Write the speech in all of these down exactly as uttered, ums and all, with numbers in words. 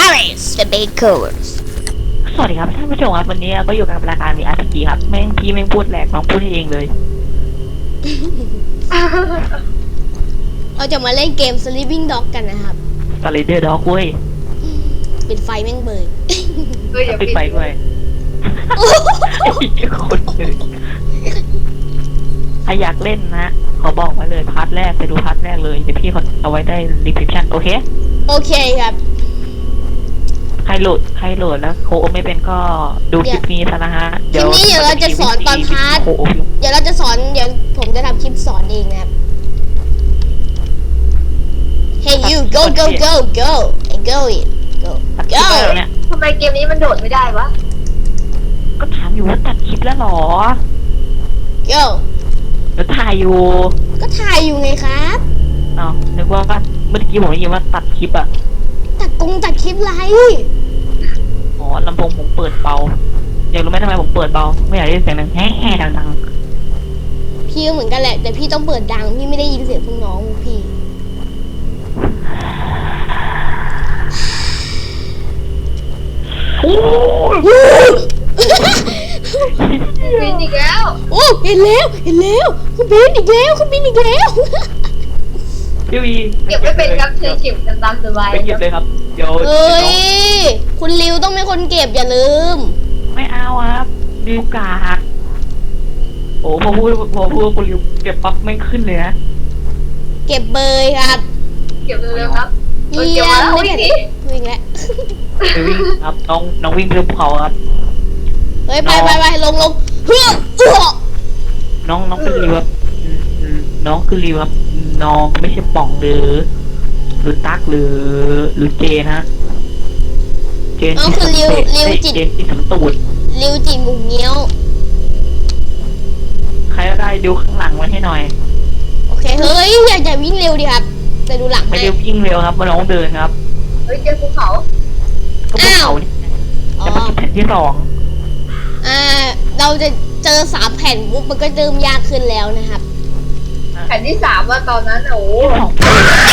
Alice the Bakers สวัสดีครับท่านผู้ชมครับวันนี้ก็อยู่กับรายการ วี อาร์ พี จี ครับแม่งพี่แม่งพูดแหลกน้องพูดเองเลยเราจะมาเล่นเกม Sleeping Dog กันนะครับสไลเดอร์ด็อกเว้ยปิดไฟแม่งเบยเฮ้ยอย่าปิปิดดไฟด้วยไอ้คนเลยถ้าอยากเล่นนะขอบอกไว้เลยพาร์ทแรกไปดูพาร์ทแรกเลยเดี๋ยวพี่เขาเอาไว้ได้รีพิชั่นโอเคโอเคครับใครโหลดใครโหลดแล้วโคไม่เป็นก็ดูคลิปนี้ซะนะฮะคลิปนี้เดี๋ยวเราจะสอนตอนพาร์ทโคเดี๋ยวเราจะสอนเดี๋ยวผมจะทำคลิปสอนเองนะครับ Hey you go go go go and go it go ตัดคลิป go แล้วเนี่ยทำไมเกมนี้มันโดดไม่ได้วะก็ถามอยู่ว่าตัดคลิปแล้วหรอ go เดี๋ยวถ่ายอยู่ก็ถ่ายอยู่ไงครับอ้าวนึกว่าเมื่อกี้ผมได้ยินว่าตัดคลิปอะตัดกงตัดคลิปไรอ๋อลำโพงผมเปิดเบาอยากรู้ไหมทำไมผมเปิดเบาไม่อยากได้ยินเสียงดังแฮ่ๆดังพี่ก็เหมือนกันแหละแต่พี่ต้องเปิดดังพี่ไม่ได้ยินเสียงพวกน้องพี่ๆโอ้ยบินอีกแล้วโอ้เห็นแล้วเห็นแล้วคุณบินอีกแล้วคุณบินอีกแล้วพี่วีเก็บไม่เป็นครับเธอเก็บกันตามสบายไปเก็บเลยครับเดี๋ยวเอ้ยคุณริวต้องเป็นคนเก็บอย่าลืมไม่เอาครับริวกากโอ้พอพูดพอพูดคุณริวเก็บปั๊บไม่ขึ้นเลยนะเก็บเบยครับเก็บเร็วๆครับเยี่ยมเก็บมาแล้วเลยวิ่งดิวิ่งแล้วไปวิ่งครับน้องน้องวิ่งเรือภูเขาครับเฮ้ยไปไปไปลงลงเฮ้ยเอื้อน้องน้องเป็นริวครับอืมอืมน้องคือริวครับน้องไม่ใช่ป่องหรือหรือตั๊กหรือหรือเจนฮะเจนเอาคือริวริวจิตเจนที่สำตูดริวจิตบุงเงี้ยวใครก็ได้ดูข้างหลังไว้ให้หน่อยโอเคเฮ้ยอย่าอย่าวิ่งเร็วดิครับแต่ดูหลังไม่ให้ได้วิ่งเร็วครับมาน้องเดินครับเฮ้ยเจอภูเขาก็ภูเขาเนี่ยอ๋อจะมาแผ่นที่สองอ่าเราจะเจอสามแผ่นปุ๊บมันก็เริ่มยากขึ้นแล้วนะครับแผ่นที่สามว่าตอนนั้นโอ้โหสอง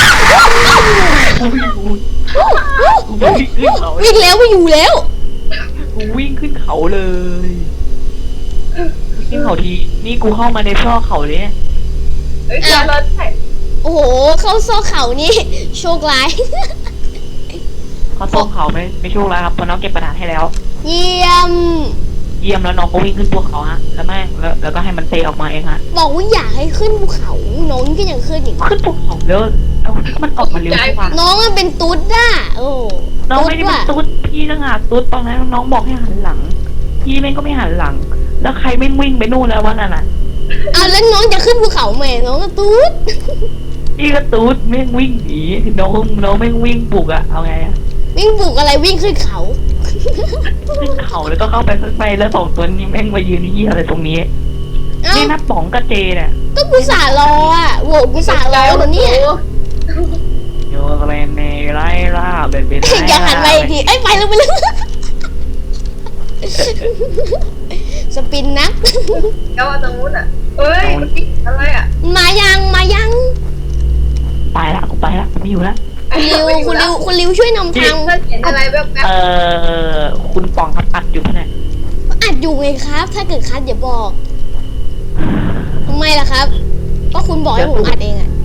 กูวิ่งขึ้นเขาวิ่งแล้วไม่อยู่แล้วกูวิ่งขึ้นเขาเลยวิ่งเขาทีนี่กูเข้ามาในซอกเขาเลยเนี่ยเฮ้ยเจอรถแผ่นโอ้โหเข้าซอกเขานี่ โชคร้ายเขาซอกเขาไม่ไม่โชคแล้วครับเพราะน้องเก็บกระดาษให้แล้วเยี่ยมเยี่ยมแล้วน้องก็วิ่งขึ้นภูเขาฮะแล้วแม่งแล้วแล้วก็ให้มันเตะออกมาเองฮะบอกว่าอยากให้ขึ้นภูเขาน้องก็ยังขึ้นอีกขึ้นภูเขาแล้วแล้วมันออกมาเร็วกว่าน้องมันเป็นตุ๊ดอ่ะโอ้น้องไม่ได้เป็นว่ะตุ๊ดพี่ต่างหากตุ๊ดตอนนั้นน้องบอกให้หันหลัง พี่แม่งก็ไม่หันหลัง แล้วใครไม่วิ่งไปนู่นแล้ววะนั่นน่ะอ่ะแล้วน้องจะขึ้นภูเขาไหมน้องก็ตุ๊ดพี่ก็ตุ๊ดแม่งวิ่งหนีน้องน้องแม่งวิ่งบุกอะเอาไงอะวิ่งปลูกอะไรวิ่งขึ้นเขาขึ้นเขาแล้วก็เข้าไปข้างในแล้วสองตัวนี้แม่งมายืนยี่อะไรตรงนี้เอ้านี่นับป๋องกับเจเนี่ยก็กูสารออ่ะโหวตกูสารอคนเนี่ยโยเรนเนไล่ล่าเป็นเป็นอย่าหันไปอีกทีเอ้ยไปแล้วไปแล้วสปินนักแล้วว่าตรงนู้นอ่ะเฮ้ยมันติดอะไรอ่ะมายังมายังไปละกูไปละกูไม่อยู่ละคุณริวคุณริวคุณริวช่วยนำทางเพื่อนเห็นอะไรแบบแบบเออคุณป๋องครับอัดอยู่ปะเนี่ยอัดอยู่ไงครับ ถ้าเกิดคัดอย่าบอกทำไมล่ะครับก็คุณบอกให้ผมอัดเองอ่ะ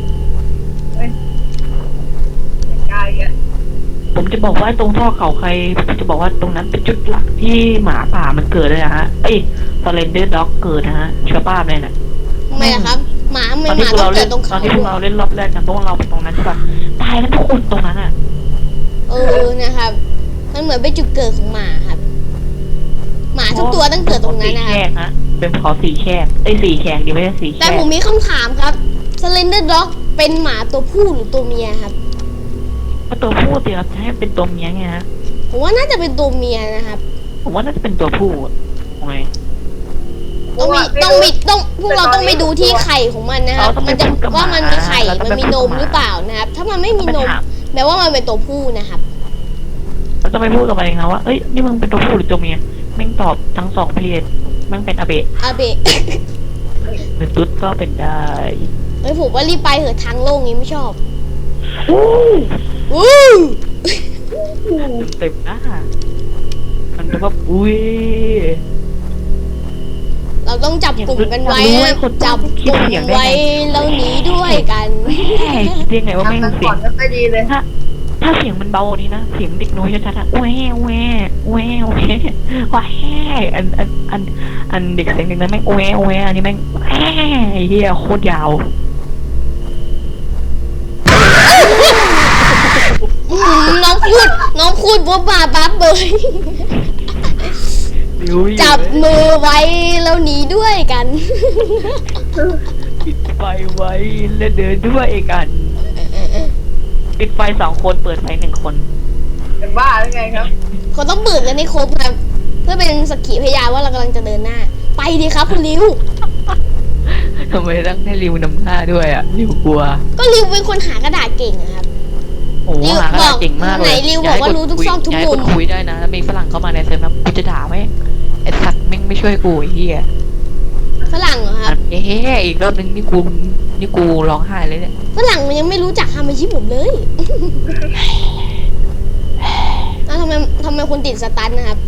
กายอ่ะผมจะบอกว่าตรงท่อเขาใครผมจะบอกว่าตรงนั้นเป็นจุดหลักที่หมาป่ามันเกิดเลยนะฮะเอ้ยสเลนเดอร์ด็อกเกิดนะฮะเชื้อป้าเลยน่ะทำไมล่ะครับ หมาไม่ตอนหที่มาพวกต้อเรางเกิเล่ดนตรงตอเขานที่พวกเราเล่นรอบแรกกันพวกเราไปตรงนั้นใช่ปะตายกันทุกคนตรงนั้นอ่ะเออนะครับ มันเหมือนเป็นจุดเกิดของหมาครับ หมาทุกตัวต้องเกิดตรงนั้นนะคแฉรับกฮะเป็นเขาสี่แฉกไอ้ยสี่แฉกดีไม่ใช่สี่แฉแต่กผมมีคำถามครับ Slender Dog เป็นหมาตัวผู้หรือตัวเมียครับก็ตัวผู้สิครับจะให้เป็นตัวเมียไงฮะผมว่าน่าจะเป็นตัวเมียนะครับผมว่าน่าจะเป็นตัวผู้อะทำไมต้องมีต้องมีต้องพวกเราต้องไปดูที่ไข่ของมันนะครับ มันจะว่ามันมีไข่ มันมีนมหรือเปล่านะครับ ถ้ามันไม่มีนมแปลว่ามันเป็นตัวผู้นะครับเราจะไปพูดกับมันเองนะว่าเอ้ยนี่มึงเป็นตัวผู้หรือตัวเมียแม่งตอบทั้งสองเพศแม่งเป็นอาเบะอาเบะหรือตุ๊ดก็เป็นได้เฮ้ยผมว่ารีบไปเถอะทางโล่งนี้ไม่ชอบอู้วู้เต็มหน้ามันแบบอุ้ยเราต้องจับกลุ่มกันไว้อยากรู้นะว่าคนจับคิกดลุ่มเสียงได้ไงไว้แล้วหนีด้วยกันแม่คิดได้ไงว่าแม่งทำมันเสีก่ยอง นไม่ค่อยดีเลยถ้าถ้าเสียงมันเบานี้นะเสียงเด็กน้อยชัดๆอะแหวแหวแหวแหวแหวอันอันอันอันเด็กเสียงเด็กนั้นแม่งแหวแหวอันนี้แม่งแหวไอ้เหี้ยโคตรยาวอืมน้องพูดน้องพูดบ๊บบาบับเบย จับมือไว้แล้วหนีด้วยกันปิดไฟไว้แล้วเดินด้วยกันปิดไฟสองคนเปิดไฟหนึ่งคนเป็นบ้าหรือไงครับเขาต้องเบิกกันให้ครบครับเพื่อเป็นสักขีพยานว่าเรากำลังจะเดินหน้า ไปดีครับคุณริวทำไมต้องให้ริวนำหน้าด้วยอ่ะริวกลัวก็ริวเป็นคนหากระดาษเก่งอะครับโอ้โหริวหากระดาษบอกเก่งมากเลยไหนริวบอกว่ารู้ทุกซอกทุกมุมย้ายคนคุยได้นะแล้วมีฝรั่งเข้ามาในเซิร์ฟนะกูจะด่าไหมไอ้สัตว์แม่งไม่ช่วยกูไอ้เหี้ยฝรั่งเหรอครับเฮ้ยอีกรอบนึงนี่กูนี่กูร้องไห้เลยเนี่ยฝรั่งมันยังไม่รู้จักฮามาชิผมเลย อ้าวทำไมทำไมคุณติดสตันนะครับ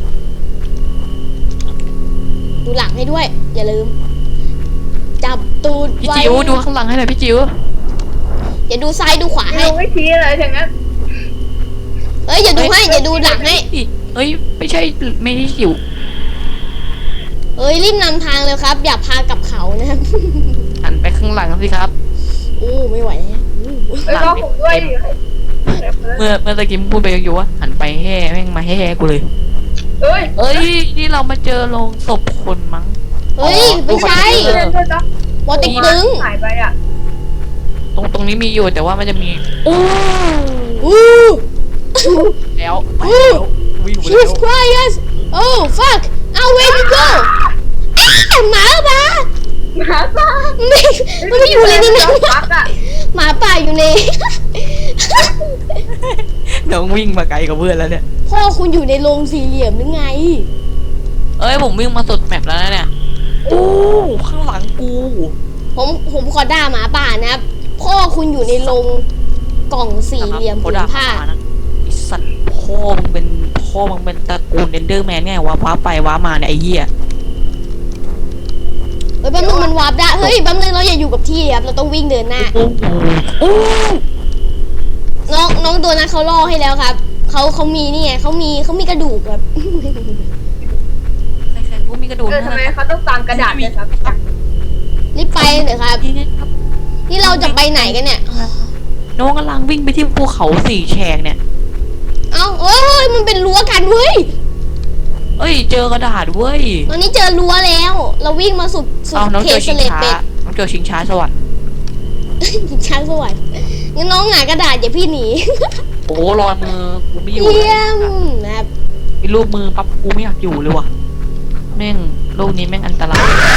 ดูหลังให้ด้วย อย่าลืม จับตูดพี่ไว้จิ๋วดูข้างหลังให้หน่อยพี่จิ๋วอย่าดูซ้ายดูขวาให้ไม่รู้ไม่ชี้เลยทั้งนั้นเอ้ยอย่าดูให้อย่าดูหลังให้เอ้ยไม่ใช่ไม่ใช่จิ๋วเอ้ยรีบนำทางเลยครับ อย่าพากลับเขานะครับหันไปข้างหลังสิครับอู้ไม่ไหวแล้วอู้เอ้ยรอผมด้วยเมื่อเมื่อตะกี้มึงพูดไปอยู่ว่าหันไปแห่แม่งมาแห่กูเลยเอ้ยเอ้ยนี่เรามาเจอโรงศพคนมั้งเฮ้ยไม่ใช่เล่นด้วยจ้ะวอติกตึงหายไปอ่ะตรงตรงนี้มีอยู่แต่ว่ามันจะมีอู้อู้แล้วไปแล้ววิ่งไปแล้ Jesus ว Christ oh fuck เอา where you go อ้าหมาป่าหมาป่าไม่มันไม่อยู่เลยนี่นะพักอ่ะหมาป่าอยู่ในน้องวิ่งมาไกลกับเพื่อนแล้วเนี่ยพ่อคุณอยู่ในโรงสี่เหลี่ยมหรือไงเอ้ยผมวิ่งมาสุดแมปแล้วนะเนี่ยอู้ข้างหลังกูผมผมขอด่าหมาป่านะครับ พ่อคุณอยู่ในโรงกล่องสี่เหลี่ยมโคผืนด่าผ้านะไอสัตว์พ่อมึงเป็นพ่อมึงเป็นตระกูลเดนเดอร์แมนไงวะว้าไปว้ามาเนี่ยไอ้เหี้ยเฮ้ยแป๊บนึงมันวาร์ปได้ เฮ้ยแป๊บนึงเราอย่าอยู่กับที่ครับ เราต้องวิ่งเดินหน้าโอ้โหโอ้น้องน้องตัวนั้นเขาล่อให้แล้วครับ เขาเขามีนี่ไงเขามีเขามีกระดูกครับใครๆกูมีกระดูกเออนะทำไมเขาต้องตามกระดาษเลยครับรีบไปเถอะครับนี่ไงครับนี่เราจะไปไหนกันเนี่ยน้องกำลังวิ่งไปที่ภูเขาสี่แฉกเนี่ยเอ้าเอ้ยมันเป็นรั้วกันเว้ยเอ้ยเจอกระดาษเว้ยตอนนี้เจอรั้วแล้ว เราวิ่งมาสุดสุดเอาน้องเขเจตอสชิงเลดช้าเป็ดน้องเจอชิงช้าสวรรค์ช้างสวรรค์งั้นน้องหงายกระดาษอย่าพี่หนีโอ้รอยมือกูไม่อยู่เยี่ยมนะครับมีรูปมือปั๊บกูไม่อยากอยู่เลยว่ะแม่งโลกนี้แม่งอันตราย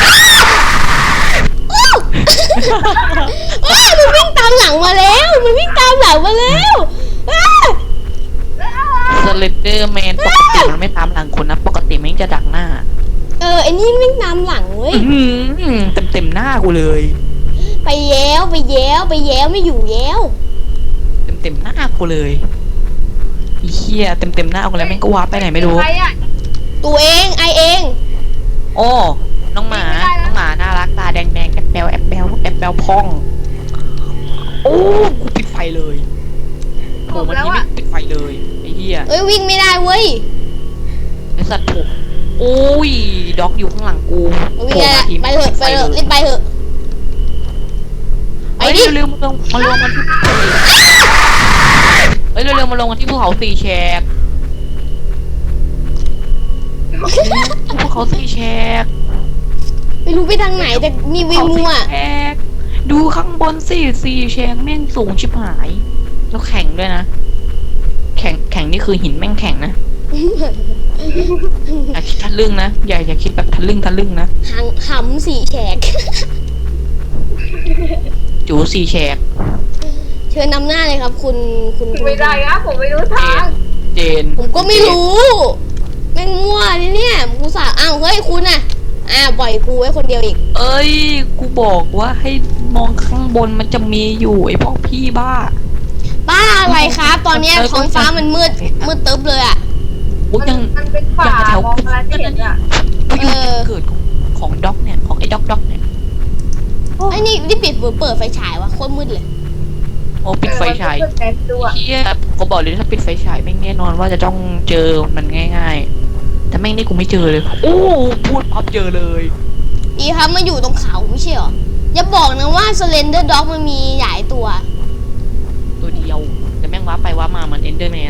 อ้าวอ้าวมันวิ่งตามหลังมาแล้ว มันวิ่งตามหลังมาแล้วอ้าวสเลนเดอร์แมนปกติมันไม่ตามหลังคนนะปกติแม่งจะดักหน้าเออไอ้นี่วิ่งตามหลังเว้ยเต็มเต็มๆหน้ากูเลยไปแย้วไปแย้วไปแย้วไม่อยู่แย้วเต็มเต็มๆหน้ากูเลยไอ้เหี้ยเต็มเต็มๆหน้ากูแล้วแม่งก็วาร์ปไปไหนไม่รู้ใครอ่ะตัวเองไอเองโอ้น้องหมาน้องหมาน่ารักตาแดงแดงแอบแบลแอบแบลแอบแบลพองโอ้กูปิดไฟเลยโผล่มาทีไม่ปิดไฟเลยไอ้เหี้ยเอ้ยวิ่งไม่ได้เว้ยไอ้สัตว์ผมโอ้ยด็อกอยู่ข้างหลังกูวิ่งได้ละไปเถอะไปเถอะรีบไปเถอะไปเฮ้ยดิเร็วๆมาลงมาลงกันที่เฮ้ยเร็วๆมาลงกันที่ภูเขาสี่แฉกภูเขาสี่แฉกไม่รู้ไปทางไหนแต่มีวิวมัวแฉกดูข้างบนสี่สี่แฉกแม่งสูงชิบหายแล้วแข็งด้วยนะแข็งแข็งนี่คือหินแม่งแข็งนะอย่าคิดทะลึ่งนะอย่าอย่าคิดแบบทะลึ่งทะลึ่งนะหังหำสี่แฉกจูสี่แฉกเชิญนำหน้าเลยครับ คุณคุณคุณไม่ได้ครับผมไม่รู้ทางเจนผมก็ไม่รู้ แม่งมั่วนี่เนี่ยกูสาอ้าวเฮ้ยคุณน่ะอ้าวปล่อยกูไว้คนเดียวอีกเอ้ยกูบอกว่าให้มองข้างบนมันจะมีอยู่ไอ้พวกพี่บ้าบ้าอะไรครับ ตอนเนี้ยท้องฟ้ามันมืดมืดตึ๊บเลยอ่ะโอ้ยมันยังมันเป็นป่ายังแถวมองอะไรไม่เห็นอ่ะไปอยู่จุดเกิดของของด็อกเนี่ยของไอ้ด็อกด็อกเนี่ยไอ้นี่นี่ปิดหรือเปิดไฟฉายวะโคตรมืดเลยโอ้ปิดไฟฉายเออมันเป็นแสงดูอ่ะเฮียกูบอกเลยถ้าปิดไฟฉายแม่งแน่นอนว่าจะต้องเจอมันง่ายๆ แต่แม่งนี่กูไม่เจอเลย โอ้พูดปั๊บเจอเลยดีครับมาอยู่ตรงเขาไม่ใช่เหรอ อย่าบอกนะว่าสเลนเดอร์ด็อกมันมีหลายตัวตัวเดียวแต่แม่งว้าไปว้ามามันเอนเดอร์แมน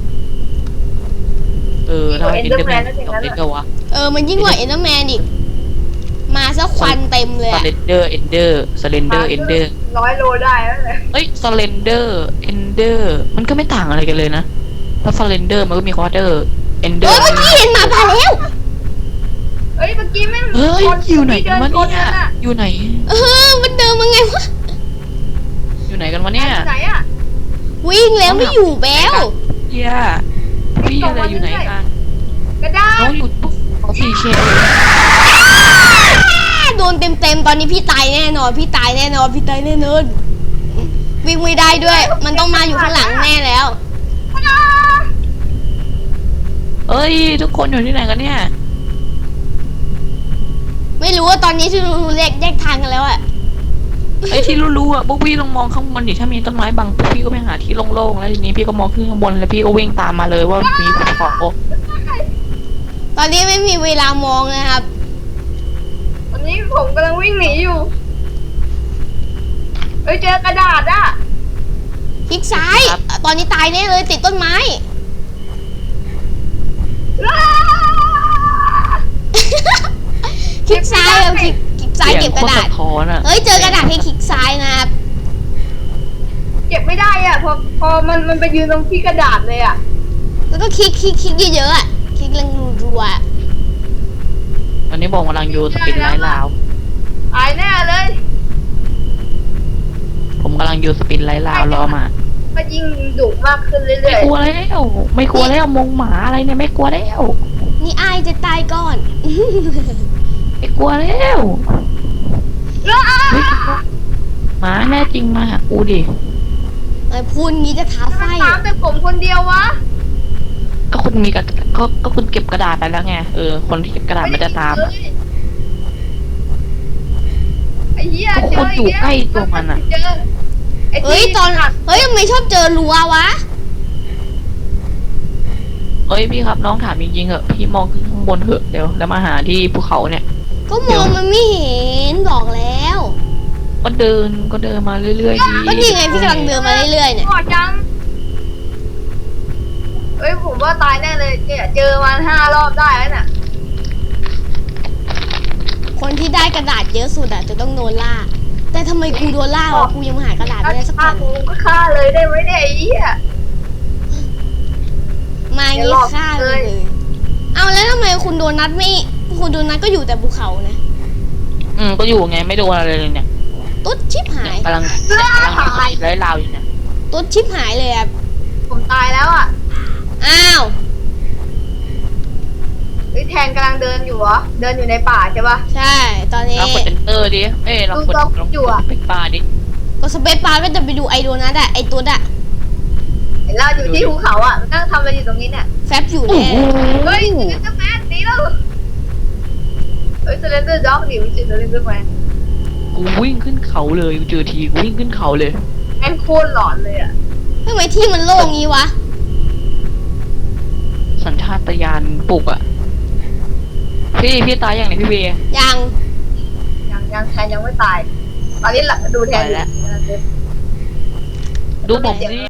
เออถ้าเอนเดอร์แมนเดี๋ยวเล่นกันวะเออ มันยิ่งกว่าเอ็นเดอร์แมนอีก มาซะควันเต็มเลยสอะเลนเดอร์เอนเดอร์สเลนเดอร์เอนเดอร์ร้อยโลได้แล้วเลยเอ้ยสเลนเดอร์เอนเดอร์มันก็ไม่ต่างอะไรกันเลยนะเพราะสเลนเดอร์มันก็มีควอเตอร์เอนเดอเฮ้ยร์เมื่อกี้เห็นหมาป่าแล้วเอ้ยเมื่อกี้แม่งเฮ้ยคนอยู่ไหนกันวะดิเนี่ยชอะอยู่ไหนเออ มันเดินมาไงวะอยู่ไหนกันวะเนี่ยไหนอ่ะวิ่งแล้วไม่อยู่แล้วเฮียพี่อะไรอยู่ไหนกันกระดาษน้องอยู่ปุ๊บเขาสี่เชลโดนเต็มเต็มๆตอนนี้พี่ตายแน่นอน พี่ตายแน่นอน พี่ตายแน่นอน วิ่งไม่ได้ด้วย มันต้องมาอยู่ข้างหลังแน่แล้วเอ้ยทุกคนอยู่ที่ไหนกันเนี่ยไม่รู้ว่าตอนนี้ที่รู้แยกแยกทางกันแล้วอะไอ้ที่รู้ๆอ่ะพวกพี่ต้องมองข้างบนดิถ้ามีต้นไม้บังพวกพี่ก็ไปหาที่โล่งๆแล้วทีนี้พี่ก็มองขึ้นข้างบนแล้วพี่ก็วิ่งตามมาเลยว่ามีภูเขาตอนนี้ไม่มีเวลามองนะครับวันนี้ผมกำลังวิ่งหนีอยู่เอ้ยเจอกระดาษอ่ะคลิกซ้าย ตอนนี้ตายแน่เลยติดต้นไม้ คลิกซ้ายเอาคลิกคลิกซ้ายเก็บกระดาษสียงโคตสะท้อนอ่ะเฮ้ยเจอกระดาษให้คลิกซ้ายนะครับเก็บไม่ได้อ่ะพอพอมันมันไปยืนตรงที่กระดาษเลยอ่ะแล้วก็คลิกคลิกคลิกเยอะๆอ่ะ คลิกแรงรัวๆอะตอนนี้บอกกำลังอยู่สปินไลท์ลาวตายแน่เลยผมกำลังอยู่สปินไลท์ลาวรอมาก็ยิ่งดุมากขึ้นเรื่ไม่อยกลัวแล้วไม่กลัวแล้วมงหมาอะไรเนี่ยไม่กลัวแล้วนี่อายจะตายก่อนไม่กลัวแล้วๆอ้าเฮ้ยหมาแน่จริงมาหากูดิไอ้พูดงี้จะท้าไฟมันตามแต่ผมคนเดียววะก็คุณมีกระก็ก็คุณเก็บกระดาษไปแล้วไงเออคนที่เก็บกระดาษมันจะตามไอ้เหี้ยก็คนอยู่ใกล้ตัวมันอะเจอไอ้เฮ้ยที่ตอน เฮ้ยทำไมชอบเจอรัววะเอ้ยพี่ครับน้องถามจริงๆเหอะพี่มองขึ้นข้างบนเถอะเดี๋ยวแล้วมาหาที่ภูเขาเนี่ยก็มองมันไม่เห็นบอกแล้วก็เดินก็เดินมาเรื่อยๆดีก็นี่ไงพี่กำลังเดินมาเรื่อยๆเนี่ยหอดจังเอ้ยผมว่าตายแน่เลยเนี่ยเจอมันห้ารอบได้แล้วน่ะคนที่ได้กระดาษเยอะสุดอะจะต้องโดนล่า แต่ทำไมกูโดนล่าวะกูยังหากระดาษไม่ได้สักฆ่าแผ่นกูก็ฆ่าเลยได้ไหมเนี่ยไอ้เหี้ยมางี้ฆ่าเลย เอาแล้วทำไมคุณโดนัทไม่ คุณโดนัทก็อยู่แต่ภูเขานะอืมก็อยู่ไงไม่โดนอะไรเลยเนี่ยตุ๊ดชิบหายกำลังกำลังไล่ลาวอยู่เนี่ยตุ๊ดชิบหายเลยอะผมตายแล้วอ่ะอ้าวเฮ้ยแทนกำลังเดินอยู่เหรอเดินอยู่ในป่าใช่ปะใช่ ตอนนี้เรากดเอนเตอร์ดิเอ้ยเรากดดูลองเราอยู่กดอะเป็นปลาดิก็สเปซบาร์ก็จะไปดูไอโดนัทอะไอตุ๊ดอะเห็นเราอยู่ที่ภูเขาอ่ะมันนั่งทำอะไรอยู่ตรงนี้เนี่ยแฟบอยู่โอ้แน่โหเฮ้ยเซเลนเดอร์แมนหนีแล้วเฮ้ยเซเลนเดอร์ด็อกหนีไม่ใช่เซเลนเดอร์แมนกูวิ่งขึ้นเขาเลยกูเจอทีกูวิ่งขึ้นเขาเลยแม่งโคตรหลอนเลยอ่ะทำไมที่มันโล่งงี้วะสัญชาตญาณปลุกอะพี่พี่ตายอย่างไหนพี่เบย์ยังยังยังแทนยังไม่ตาย ตอนนี้หลับดูแทนอยู่ดูผมสิ